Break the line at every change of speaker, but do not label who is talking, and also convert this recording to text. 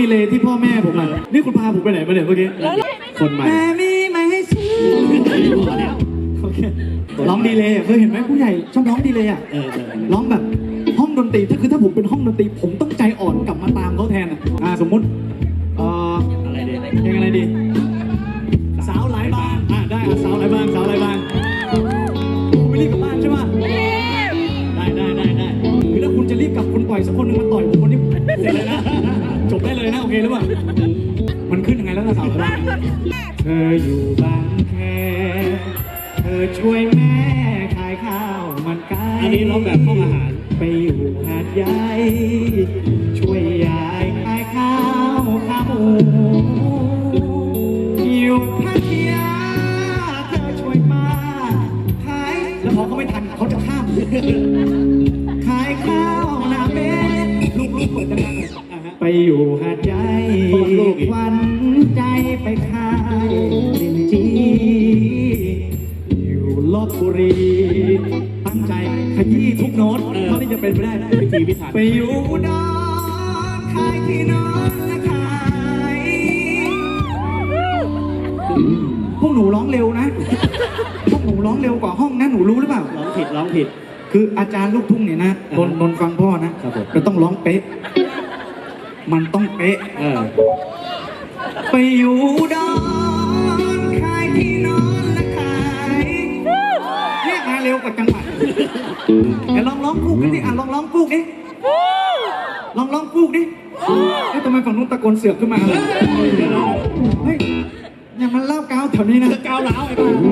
ดีเลยที่พ่อแม่ผมอ่ะนี่คุณพาผมไปไหนมาเนี่ยเมื่อกี้คนใหม่แม่มีไหมให้ซื้อโอเคร้องดีเลยเคยเห็นไหมผู้ใหญ่ชอบร้องดีเลยอ่ะร้องแบบห้องดนตรีถ้าผมเป็นห้องดนตรีผมต้องใจอ่อนกลับมาตามเขาแทนอ่ะสมมุติอะไรดีเพลงอะไรดีสาวหลายบางได้สาวหลายบางคุณไม่รีบกลับบ้านใช่ไหมได้คือถ้าคุณจะรีบกลับคุณปล่อยสักคนนึงมาต่อยผมคนนี้เสร็จเลยนะจบได้เลยนะโอเคหรือเปล่ามันขึ้นยังไงแล้วนะสาวหลายบางเธออยู่บางแคเธอช่วยแม่ขายข้าวมันไก่อันนี้ร้องแบบห้องอาหารไปอยู่หาดใหญ่ช่วยยายขายข้าวขาหมูอยู่พัทยาเธอช่วยมาขายแล้วพอเขาไม่ทันเขาจะข้ามขายข้าวหน้าเบ็ดลูกเปิดกันไปอยู่หาดใหญ่ควันใจไปขายลินจีลบบุรีตั้งใจขยี้ทุกโน้ตเท่าที่จะเป็นไปได้พิธีพิถันไปอยู่ดอนขายที่นอนและขายพวกหนูร้องเร็วนะพวกหนูร้องเร็วกว่าห้องนะหนูรู้หรือเปล่าร้องผิดคืออาจารย์ลูกทุ่งเนี่ยนะนนฟังพ่อนะก็ต้องร้องเป๊ะมันต้องเป๊ะไปอยู่ดอนขายที่นอนและขายเนี่ยมาเร็วกว่าจังหวัดแต่ลองร้องคู่กันดิลองร้องคู่ดิลองร้องคู่ดิทำไมฝั่งนู้นตะโกนเสือกขึ้นมาเลยเฮ้ยอย่ามาเล่าก้าวแถวนี้นะก้าวล้าวไอ้บ้า